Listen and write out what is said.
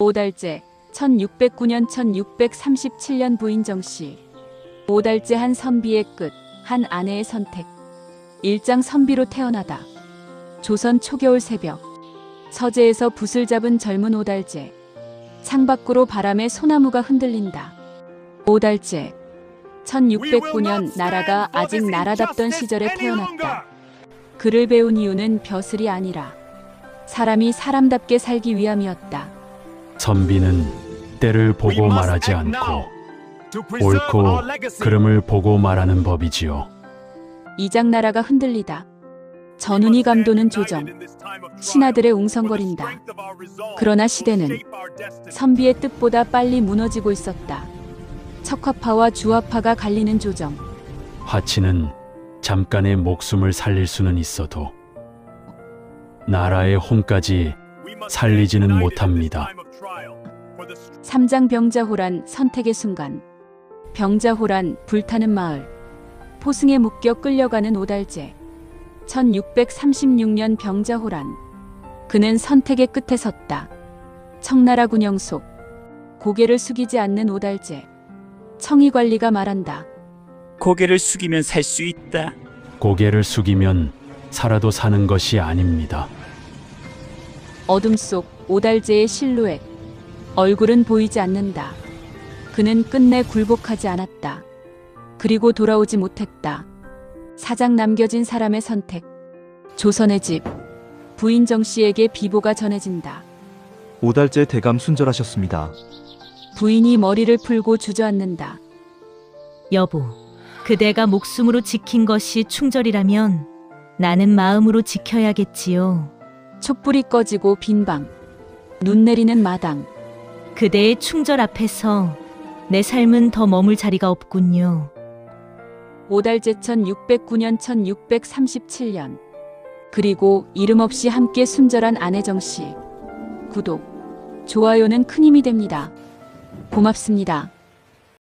오달째 1609년 1637년 부인 정씨. 오달째 한 선비의 끝, 한 아내의 선택. 일장 선비로 태어나다. 조선 초겨울 새벽. 서재에서 붓을 잡은 젊은 오달째. 창밖으로 바람에 소나무가 흔들린다. 오달째 1609년 나라가 아직 나라답던 시절에 태어났다. 글을 배운 이유는 벼슬이 아니라 사람이 사람답게 살기 위함이었다. 선비는 때를 보고 말하지 않고 옳고 그름을 보고 말하는 법이지요. 이장나라가 흔들리다. 전운이 감도는 조정. 신하들의 웅성거린다. 그러나 시대는 선비의 뜻보다 빨리 무너지고 있었다. 척화파와 주화파가 갈리는 조정. 화치는 잠깐의 목숨을 살릴 수는 있어도 나라의 혼까지 살리지는 못합니다. 삼장 병자호란 선택의 순간. 병자호란 불타는 마을. 포승에 묶여 끌려가는 오달째. 1636년 병자호란. 그는 선택의 끝에 섰다. 청나라 군영 속. 고개를 숙이지 않는 오달째. 청의관리가 말한다. 고개를 숙이면 살 수 있다. 고개를 숙이면 살아도 사는 것이 아닙니다. 어둠 속 오달째의 실루엣. 얼굴은 보이지 않는다. 그는 끝내 굴복하지 않았다. 그리고 돌아오지 못했다. 사장 남겨진 사람의 선택. 조선의 집. 부인 정씨에게 비보가 전해진다. 오달째 대감 순절하셨습니다. 부인이 머리를 풀고 주저앉는다. 여보, 그대가 목숨으로 지킨 것이 충절이라면 나는 마음으로 지켜야겠지요. 촛불이 꺼지고 빈 방. 눈 내리는 마당. 그대의 충절 앞에서 내 삶은 더 머물 자리가 없군요. 오달째 1609년 1637년. 그리고 이름 없이 함께 순절한 아내 정씨. 구독, 좋아요는 큰 힘이 됩니다. 고맙습니다.